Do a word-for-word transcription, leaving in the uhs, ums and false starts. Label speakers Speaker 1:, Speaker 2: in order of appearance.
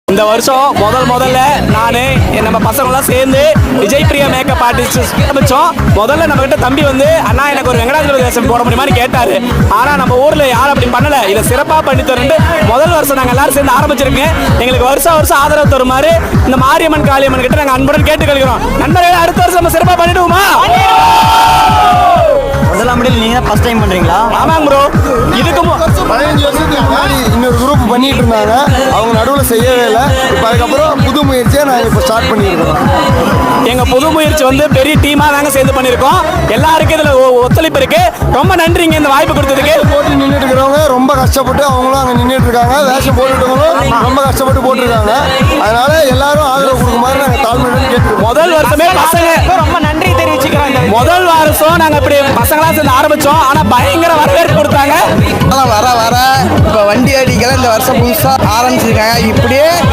Speaker 1: இந்த வருஷம் முதல் முதல்ல நான் நம்ம பசங்களாம் சேர்ந்து விஜய் பிரியா மேக்கப் ஆர்டிஸ்ட் ஆரம்பிச்சோம். முதல்ல நம்ம கிட்ட தம்பி வந்து அண்ணா எனக்கு ஒரு வெங்கடாஜலபதி வேஷம் போட முடியுமான்னு கேட்டாரு. ஆனா நம்ம ஊர்ல யாரும் அப்படி பண்ணல. இதை சிறப்பா பண்ணி தரேன் முதல் வருஷம் நாங்க எல்லாரும் சேர்ந்து ஆரம்பிச்சிருக்கேன். எங்களுக்கு வருஷம் வருஷம் ஆதரவு தருமாறு இந்த மாரியம்மன் காளியம்மன் கிட்ட நாங்க அன்புடன் கேட்டுக்கொள்கிறோம். நண்பர்களே, அடுத்த வருஷம் நம்ம சிறப்பா பண்ணிடுவோமா?
Speaker 2: முதலாம் முடியல நீங்க ஃபர்ஸ்ட் டைம் பண்றீங்களா?
Speaker 1: ஆமாங்க ப்ரோ. இதுக்கு
Speaker 3: பதினஞ்சு வருஷத்துக்கு முன்னாடி இன்னொரு குரூப் பண்ணிட்டு இருந்தாங்க. அவங்க நடுவில் செய்யவே இல்லை. இப்போ அதுக்கப்புறம் புது முயற்சியை நாங்கள் இப்போ ஸ்டார்ட் பண்ணியிருக்கோம்.
Speaker 1: எங்க புது முயற்சி வந்து பெரிய டீமா நாங்க சேர்ந்து பண்ணிருக்கோம். எல்லாருக்கும் இதுல ஒத்துழைப்பு இருக்கு. ரொம்ப நன்றிங்க இந்த வாய்ப்பு கொடுத்ததுக்கு.
Speaker 3: போட்டு நின்றுட்டு இருக்கிறவங்க ரொம்ப கஷ்டப்பட்டு அவங்களும் அங்கே நின்றுட்டு இருக்காங்க. வேஷம் போட்டுட்டவங்களும் ரொம்ப கஷ்டப்பட்டு போட்டிருக்காங்க. அதனால எல்லாரும் ஆதரவு கொடுக்குமாறு நாங்கள் தாழ்மையுடன் கேட்டுருக்கோம்.
Speaker 1: முதல் வருஷமே பசங்க ரொம்ப நன்றி தெரிவிச்சுக்கிறோம். முதல் வருஷம் நாங்க இப்படி பசங்களா சேர்ந்து ஆரம்பிச்சோம். ஆனா பயங்கர வரவேற்பு கொடுத்தாங்க.
Speaker 4: வர வர இப்போ வண்டி அடிக்கல இந்த வருஷம் புதுசாக ஆரம்பிச்சிருக்காங்க. இப்படியே